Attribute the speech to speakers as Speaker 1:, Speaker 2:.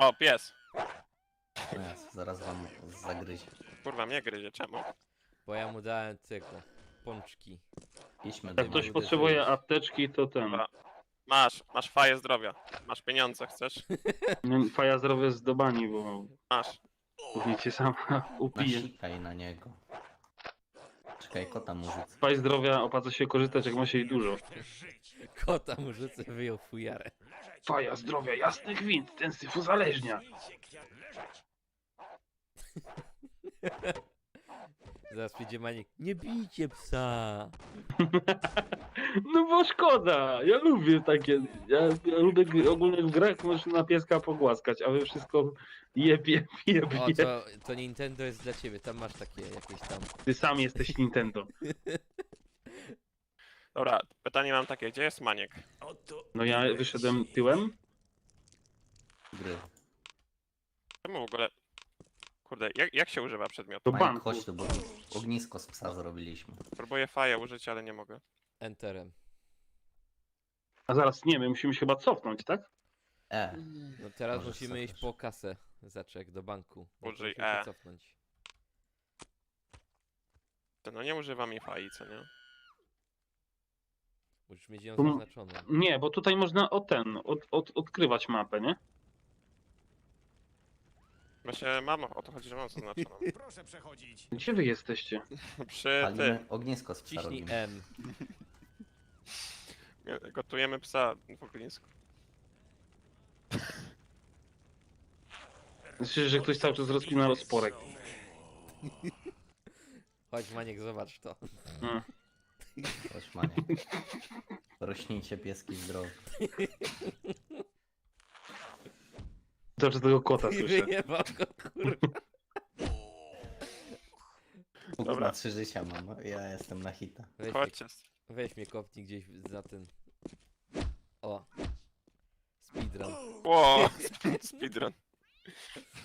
Speaker 1: O, pies.
Speaker 2: No jasne, zaraz wam zagryzie.
Speaker 1: Kurwa, mnie gryzie, czemu?
Speaker 3: Bo ja mu dałem tego. Pączki.
Speaker 2: Idźmy do
Speaker 4: Jak ktoś
Speaker 3: uderzyłeś.
Speaker 4: potrzebuje apteczki, to ten.
Speaker 1: Dobra. Masz faję zdrowia. Masz pieniądze, chcesz?
Speaker 4: Faja zdrowie z dobani, bo
Speaker 1: Masz.
Speaker 4: później cię sam upije.
Speaker 2: Nasikaj na niego. Czekaj, kota mu rzucę.
Speaker 4: Faj zdrowia opłaca się korzystać, jak ma się jej dużo.
Speaker 3: Kota mu rzucę, wyjął fujarę.
Speaker 4: Faja zdrowia, jasny gwint, ten syf uzależnia.
Speaker 3: Zaraz przyjdzie Maniek. Nie bijcie psa!
Speaker 4: No bo szkoda, ja lubię takie. Ja lubię ogólnie w grach można na pieska pogłaskać, a wy wszystko jebie.
Speaker 3: O, to Nintendo jest dla ciebie, tam masz takie jakieś tam.
Speaker 4: Ty sam jesteś Nintendo.
Speaker 1: Dobra, pytanie mam takie, gdzie jest Maniek?
Speaker 4: No ja wyszedłem tyłem.
Speaker 2: Gry.
Speaker 1: Czemu w ogóle... Kurde, jak się używa przedmiotu?
Speaker 4: Do
Speaker 2: Majek,
Speaker 4: banku.
Speaker 2: chodź tu, bo ognisko z psa zrobiliśmy.
Speaker 1: Próbuję faję użyć, ale nie mogę.
Speaker 3: Enterem.
Speaker 4: A zaraz nie, my musimy się chyba cofnąć, tak?
Speaker 3: No teraz
Speaker 2: Możesz
Speaker 3: musimy
Speaker 2: sobie
Speaker 3: iść
Speaker 2: też.
Speaker 3: po kasę. Zaczek do banku. No to
Speaker 1: Użyj
Speaker 3: musimy się
Speaker 1: E.
Speaker 3: cofnąć.
Speaker 1: No nie używam jej fai, co nie?
Speaker 3: Musisz mieć ją
Speaker 4: Tu-
Speaker 3: zaznaczoną.
Speaker 4: Nie, bo tutaj można odkrywać mapę, nie?
Speaker 1: Właśnie mam, o to chodzi, że mam zaznaczoną.
Speaker 5: Proszę przechodzić.
Speaker 4: Gdzie wy jesteście?
Speaker 1: Przy
Speaker 2: Palimy
Speaker 1: ty,
Speaker 2: ognisko z psa
Speaker 3: Ciśnij
Speaker 2: robimy.
Speaker 3: M.
Speaker 1: gotujemy psa w ognisku.
Speaker 4: Myślę, że ktoś cały czas rozpina rozporek.
Speaker 3: Chodź Maniek, zobacz to.
Speaker 4: Mm.
Speaker 2: Chodź, Maniek. Rośnijcie pieski zdrowe.
Speaker 4: Cały czas tego kota
Speaker 3: I
Speaker 4: słyszę.
Speaker 3: wyjebał go, kurwa.
Speaker 1: Dobra.
Speaker 2: Na 3 życia mam, ja jestem na hita.
Speaker 1: Chodźcie.
Speaker 3: Weź mnie kopnij gdzieś za ten. O. Speedrun.
Speaker 1: Ło, speedrun.